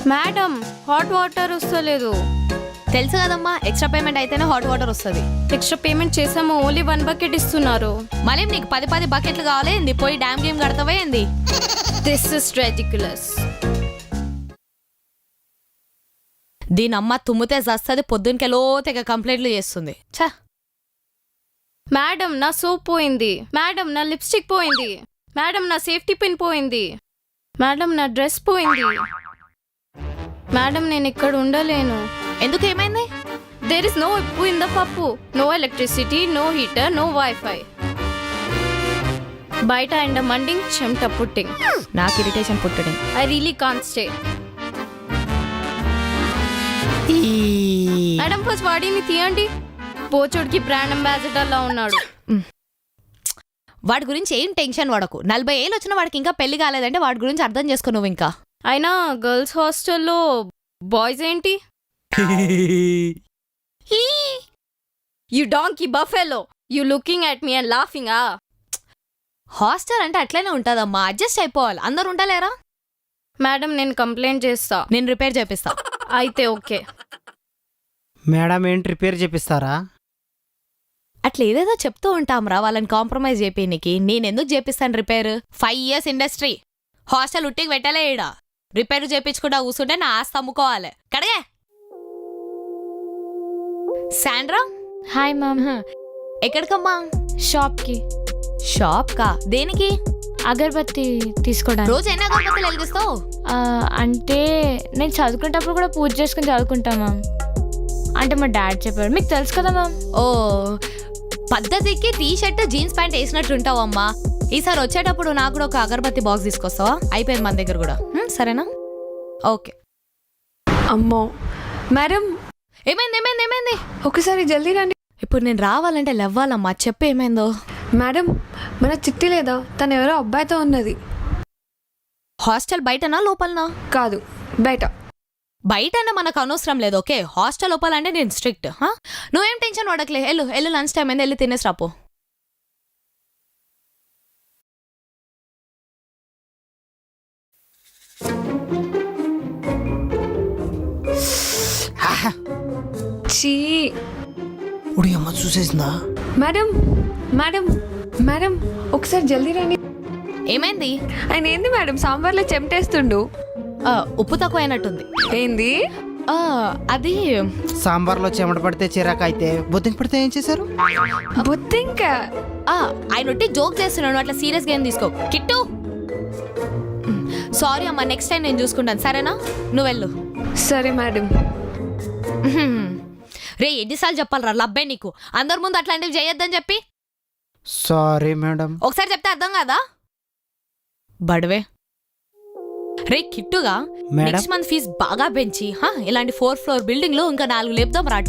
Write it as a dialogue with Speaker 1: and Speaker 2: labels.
Speaker 1: Madam hot water వస్తలేదు.
Speaker 2: తెలుసు కదమ్మా, ఎక్స్ట్రా పేమెంట్ అయితేనే హాట్ వాటర్ వస్తుంది.
Speaker 1: ఎక్స్ట్రా పేమెంట్ చేసాము, ఓన్లీ 1 బకెట్ ఇస్తున్నారు.
Speaker 2: మళ్ళీ నీకు 10 బకెట్లు కావాలి ఏంది? పోయి డ్యామ్ గేమ్ కడతావే ఏంది?
Speaker 1: This is ridiculous.
Speaker 2: దీని అమ్మ తుమ్మితే జస్తుంది, పొద్దునకెలో తెగ కంప్లైంట్లు చేస్తుంది. ఛా,
Speaker 1: మేడం నా సోప్ పోయింది. మేడం నా లిప్స్టిక్ పోయింది. మేడం నా సేఫ్టీ పిన్ పోయింది. మేడం నా డ్రెస్ పోయింది. మేడం నేను ఇక్కడ ఉండలేను.
Speaker 2: ఎందుకు, ఏమైంది?
Speaker 1: There is no uppu in the pappu, no electricity, no heater, no wifi. బయట ఎండ మండింగ్, చెమట పుట్టింగ్.
Speaker 2: నాకు ఇరిటేషన్ పుట్టడం.
Speaker 1: I really can't stay. Madam first వాడిని తీయండి. పోచోడికి బ్రాండ్ అంబాసిడర్ లా ఉన్నాడు.
Speaker 2: వాడి గురించి ఏం టెన్షన్ పడకు. 40 ఏళ్ళు వచ్చిన వాడికి ఇంకా పెళ్లి కాలేదంటే వాడి గురించి అర్థం చేసుకో నువ్వు. ఇంకా
Speaker 1: అయినా గర్ల్స్ హాస్టల్లో బాయ్స్ ఏంటి? You donkey buffalo, you looking at me and laughing.
Speaker 2: Hostel అంటే అట్లనే ఉంటుందమ్మా, అడ్జస్ట్ అయిపోవాలి. అందరు ఉండలేరా?
Speaker 1: మేడం నేను కంప్లైంట్ చేస్తా.
Speaker 2: నేను రిపేర్ చేపిస్తా.
Speaker 1: అయితే ఓకే.
Speaker 3: మేడం ఏంటి రిపేర్ చేపిస్తారా?
Speaker 2: అట్లా ఏదేదో చెప్తూ ఉంటాంరా వాళ్ళని కాంప్రమైజ్ చేపినికి. నేనెందుకు చేపిస్తాను రిపేర్? 5 years ఇండస్ట్రీ, హాస్టల్ ఉట్టికి పెట్టలే. ఈడ రిపేర్ చేపించుకుంటా కూర్చుంటే నా ఆస్తి అమ్ముకోవాలి. కడగే. Sandra,
Speaker 1: hi ma'am.
Speaker 2: ఎక్కడికమ్మా?
Speaker 1: షాప్కి.
Speaker 2: షాప్ కా? దేనికి?
Speaker 1: అగరబత్తి తీసుకోవడానికి.
Speaker 2: రోజు ఎన్ని అగరబత్తులు వెలిగిస్తావు?
Speaker 1: అంటే నేను చదువుకునేటప్పుడు కూడా పూజ చేసుకుని చదువుకుంటా మ్యామ్. అంటే మా డాడీ చెప్పాడు, మీకు తెలుసు కదా మ్యామ్.
Speaker 2: ఓ, పద్ధతికి టీ షర్ట్ జీన్స్ ప్యాంట్ వేసినట్టుంటావమ్మా. ఈసారి వచ్చేటప్పుడు నాకు కూడా ఒక అగరబత్తి బాక్స్ తీసుకొస్తావా? అయిపోయింది మన దగ్గర కూడా. సరేనా? ఓకే.
Speaker 4: అమ్మో మేడం,
Speaker 2: ఏమైంది ఏమైంది ఏమైంది?
Speaker 4: ఒకసారి జల్దీ రండి.
Speaker 2: ఇప్పుడు నేను రావాలంటే లేవ్వాలమ్మా. చెప్పు ఏమైందో.
Speaker 4: మేడం, మన చిట్టి లేదా, తను ఎవరో అబ్బాయితో ఉన్నది.
Speaker 2: హాస్టల్ బయటనా లోపలనా?
Speaker 4: కాదు, బయట.
Speaker 2: బయట అంటే మనకు అనవసరం లేదు, ఓకే? హాస్టల్ లోపలంటే నేను స్ట్రిక్ట్. నువ్వేం టెన్షన్ పడకలే. వెళ్ళు లంచ్ టైం అయింది, వెళ్ళి తినేసి రాపో.
Speaker 4: చీ.
Speaker 3: ఉడి అమ్మ చూసేసిందా?
Speaker 4: మేడం మేడం మేడం, ఒకసారి జల్దీ రండి.
Speaker 2: ఏమైంది?
Speaker 4: ఆయన ఏంది మేడం సాంబార్లో చెమటేస్తుండు.
Speaker 2: ఉప్పు తక్కువ అయినట్టుంది.
Speaker 4: ఏంది?
Speaker 2: అది
Speaker 3: సాంబార్లో చెమట పడితే చిరాకు అయితే, బొద్దింక పడితే ఏం చేశారు?
Speaker 4: బుద్ధింక.
Speaker 2: ఆయన ఒట్టి జోక్ చేస్తున్నాను, అట్లా సీరియస్గా ఏం తీసుకో. కిట్టు, సారీ అమ్మా, నెక్స్ట్ టైం నేను చూసుకుంటాను, సరేనా? నువ్వు వెళ్ళు.
Speaker 4: సరే మేడం.
Speaker 2: రే, ఎన్నిసార్లు చెప్పాలరా లబ్బే నీకు? అందరి ముందు అట్లాంటివి చేయొద్దని చెప్పి.
Speaker 3: Sorry madam.
Speaker 2: ఒకసారి చెప్తే అర్థం కాదా? బడవే. రే కిట్టుగా,
Speaker 3: మేడం?
Speaker 2: నెక్స్ట్ మంత్ ఫీజు బాగా పెంచి ఇలాంటి 4th floor బిల్డింగ్ లో ఇంకా 4 లేపుదాం రా.